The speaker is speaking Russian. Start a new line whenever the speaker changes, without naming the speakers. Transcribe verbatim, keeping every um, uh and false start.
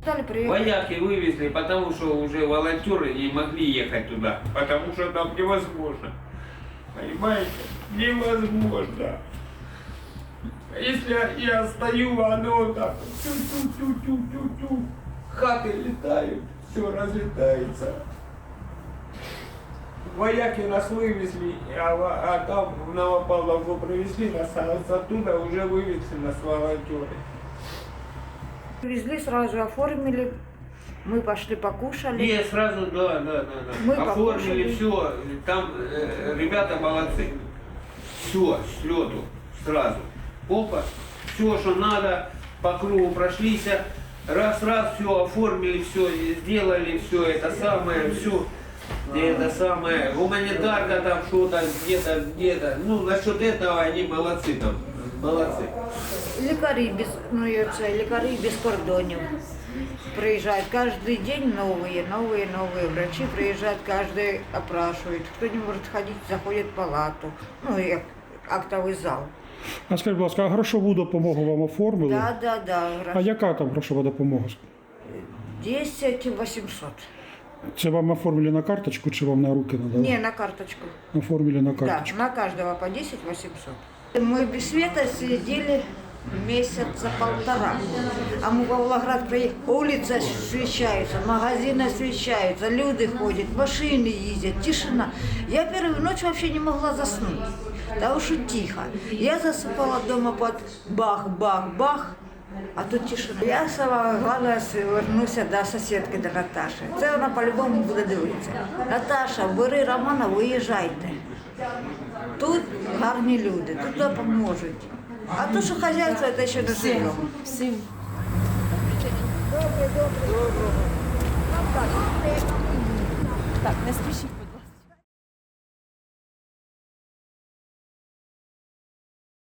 Вояки вывезли, потому что уже волонтеры не могли ехать туда, потому что там невозможно. Понимаете? Невозможно. Если я стою, оно вот так тю-тю-тю-тю-тю-тю, хаты летают, все разлетается. Вояки нас вывезли, а, а там в Новопавловку привезли нас, а оттуда уже вывезли нас волонтеры.
Привезли, сразу оформили, мы пошли покушали.
Не, сразу, да, да, да, да.
Мы
Оформили
покушали.
все, там э, ребята молодцы. Все, с лету, сразу. Опа, все, что надо, по кругу прошлись, раз-раз, все оформили, все сделали, все это самое, все. Это самое, гуманитарка там что-то, где-то, где-то. Ну, насчет этого они молодцы там, молодцы.
Лікарі без, ну, і це, лікарі без кордонів приезжают каждый день новые, новые, новые врачи приезжают, каждый опрашивает. Кто не может ходить, заходит в палату, ну и актовый зал.
А скажіть, будь ласка, а грошову допомогу вам оформили?
Да, да, да.
А яка там грошова допомога?
десять восемьсот.
Це вам оформили на карточку чи вам на руки надали?
Не, на карточку.
Оформили на
Да,
карточку.
на каждого по десять восемьсот. Мы без света сидели месяца полтора. А мы в Павлоград приехали, улицы освещаются, магазины освещаются, люди ходят, машины ездят, тишина. Я первую ночь вообще не могла заснуть, потому что тихо. Я засыпала дома под бах-бах-бах, а тут тишина. Я сама главное вернуся до сусідки, до Наташі. Це вона по-любому буде дивитися. Наташа, бери Романа, виїжджайте. Тут гарні люди, тут допоможуть. А то, що хазяйство, це ще не живемо.
Всім.
Добре, добре.